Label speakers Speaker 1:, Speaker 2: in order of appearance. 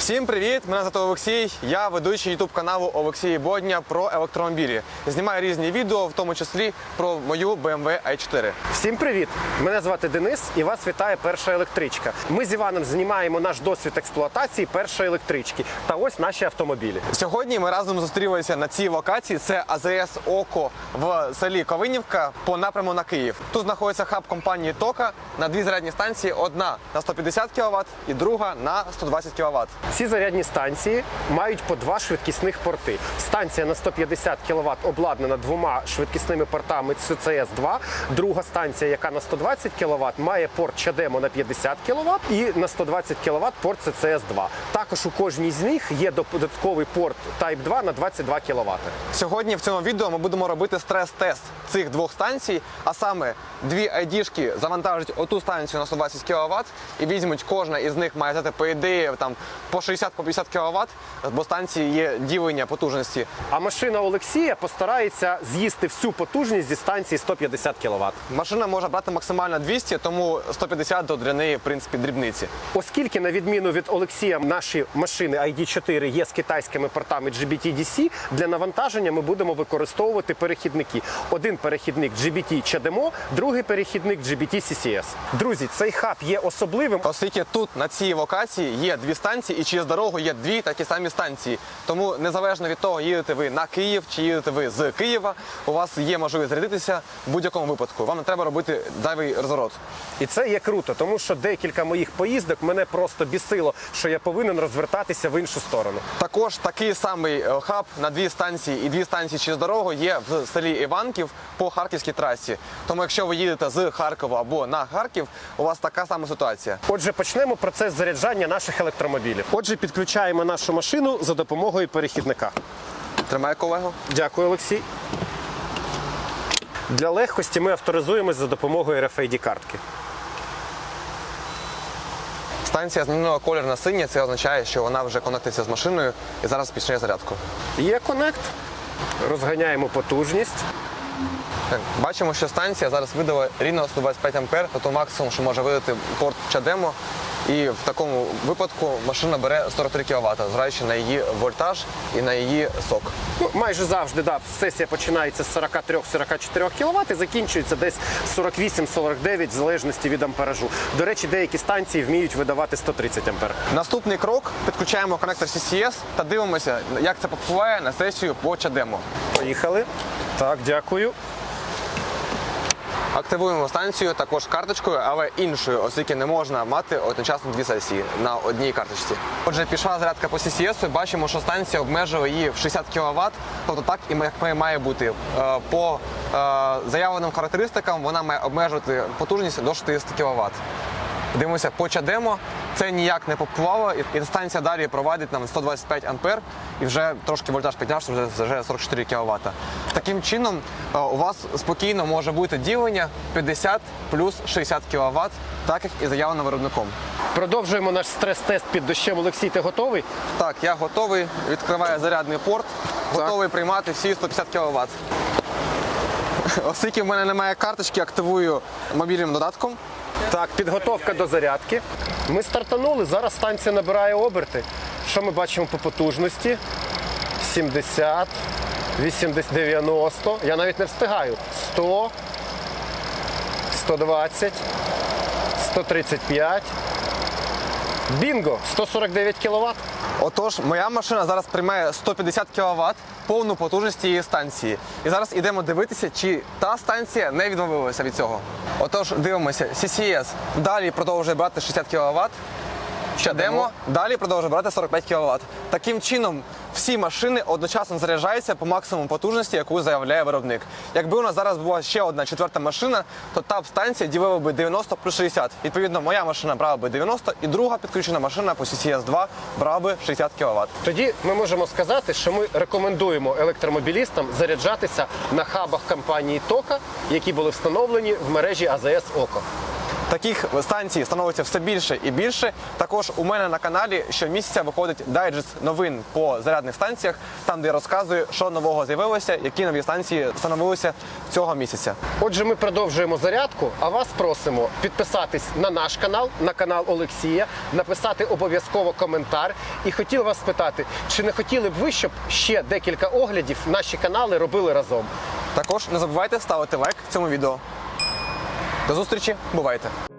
Speaker 1: Всім привіт! Мене звати Олексій, я ведучий YouTube каналу Олексій Бодня про електромобілі. Знімаю різні відео, в тому числі про мою BMW i4.
Speaker 2: Всім привіт! Мене звати Денис і вас вітає перша електричка. Ми з Іваном знімаємо наш досвід експлуатації першої електрички. Та ось наші автомобілі.
Speaker 1: Сьогодні ми разом зустрілися на цій локації. Це АЗС «Око» в селі Ковинівка по напряму на Київ. Тут знаходиться хаб компанії «Тока» на дві зарядні станції. Одна на 150 кВт і друга на 120 кВт.
Speaker 2: Ці зарядні станції мають по два швидкісних порти. Станція на 150 кВт обладнана двома швидкісними портами CCS2. Друга станція, яка на 120 кВт, має порт CHAdeMO на 50 кВт і на 120 кВт порт CCS2. Також у кожній з них є додатковий порт Type 2 на 22 кВт.
Speaker 1: Сьогодні в цьому відео ми будемо робити стрес-тест цих двох станцій, а саме дві ID-шки завантажать оту станцію на 120 кВт і візьмуть, кожна із них має взяти по ідеї там по 60-50 кВт, бо станції є ділення потужності.
Speaker 2: А машина Олексія постарається з'їсти всю потужність зі станції 150 кВт.
Speaker 1: Машина може брати максимально 200, тому 150 до для неї, в принципі, дрібниці.
Speaker 2: Оскільки, на відміну від Олексія, наші машини ID4 є з китайськими портами GBT-DC, для навантаження ми будемо використовувати перехідники. Один перехідник GBT-CHAdeMO, другий перехідник GBT-CCS. Друзі, цей хаб є особливим,
Speaker 1: Оскільки тут, на цій локації, є дві станції і через дорогу є дві такі самі станції. Тому незалежно від того, їдете ви на Київ чи їдете ви з Києва, у вас є можливість зарядитися в будь-якому випадку. Вам не треба робити зайвий розворот.
Speaker 2: І це є круто, тому що декілька моїх поїздок мене просто бісило, що я повинен розвертатися в іншу сторону.
Speaker 1: Також такий самий хаб на дві станції і дві станції через дорогу є в селі Іванків по Харківській трасі. Тому якщо ви їдете з Харкова або на Харків, у вас така сама ситуація.
Speaker 2: Отже, почнемо процес заряджання наших електромобілів. Отже, підключаємо нашу машину за допомогою перехідника.
Speaker 1: Тримай, колего.
Speaker 2: Дякую, Олексій. Для легкості ми авторизуємось за допомогою RFID-картки.
Speaker 1: Станція змінила колір на синій, це означає, що вона вже конектиться з машиною і зараз почне зарядку.
Speaker 2: Є конект. Розганяємо потужність.
Speaker 1: Так, бачимо, що станція зараз видала рівно 125 А, тобто максимум, що може видати порт CHAdeMO. І в такому випадку машина бере 43 кВт, зважаючи на її вольтаж і на її сок.
Speaker 2: Ну, майже завжди, сесія починається з 43-44 кВт і закінчується десь 48-49 в залежності від амперажу. До речі, деякі станції вміють видавати 130 А.
Speaker 1: Наступний крок – підключаємо конектор CCS та дивимося, як це впливає на сесію по CHAdeMO.
Speaker 2: Поїхали. Так, дякую.
Speaker 1: Активуємо станцію також карточкою, але іншою, оскільки не можна мати одночасно дві сесії на одній карточці. Отже, пішла зарядка по CCS, бачимо, що станція обмежує її в 60 кВт, тобто так і має бути. По заявленим характеристикам вона має обмежувати потужність до 60 кВт. Дивимося по CHAdeMO, це ніяк не попливало, і станція далі проводить нам 125 А, і вже трошки вольтаж піднявся, вже 44 кВт. Таким чином у вас спокійно може бути ділення 50 плюс 60 кВт, так як і заявлено виробником.
Speaker 2: Продовжуємо наш стрес-тест під дощем. Олексій, ти готовий?
Speaker 1: Так, я готовий, відкриваю зарядний порт, готовий приймати всі 150 кВт. Оскільки в мене немає карточки, активую мобільним додатком.
Speaker 2: Так, підготовка до зарядки. Ми стартанули, зараз станція набирає оберти. Що ми бачимо по потужності? 70, 80, 90. Я навіть не встигаю. 100, 120, 135. Бінго! 149 кВт.
Speaker 1: Отож, моя машина зараз приймає 150 кВт, повну потужність цієї станції. І зараз йдемо дивитися, чи та станція не відмовилася від цього. Отож, дивимося, CCS далі продовжує брати 60 кВт, CHAdeMO далі продовжує брати 45 кВт. Таким чином, всі машини одночасно заряджаються по максимуму потужності, яку заявляє виробник. Якби у нас зараз була ще одна четверта машина, то та б станція ділила би 90 плюс 60. Відповідно, моя машина брала би 90, і друга підключена машина по CCS2 брала би 60 кВт.
Speaker 2: Тоді ми можемо сказати, що ми рекомендуємо електромобілістам заряджатися на хабах компанії «Тока», які були встановлені в мережі АЗС «Око».
Speaker 1: Таких станцій становиться все більше і більше. Також у мене на каналі щомісяця виходить дайджест новин по зарядних станціях, там де я розказую, що нового з'явилося, які нові станції встановилися цього місяця.
Speaker 2: Отже, ми продовжуємо зарядку, а вас просимо підписатись на наш канал, на канал Олексія, написати обов'язково коментар. І хотів вас спитати, чи не хотіли б ви, щоб ще декілька оглядів наші канали робили разом?
Speaker 1: Також не забувайте ставити лайк цьому відео. До зустрічі, бувайте!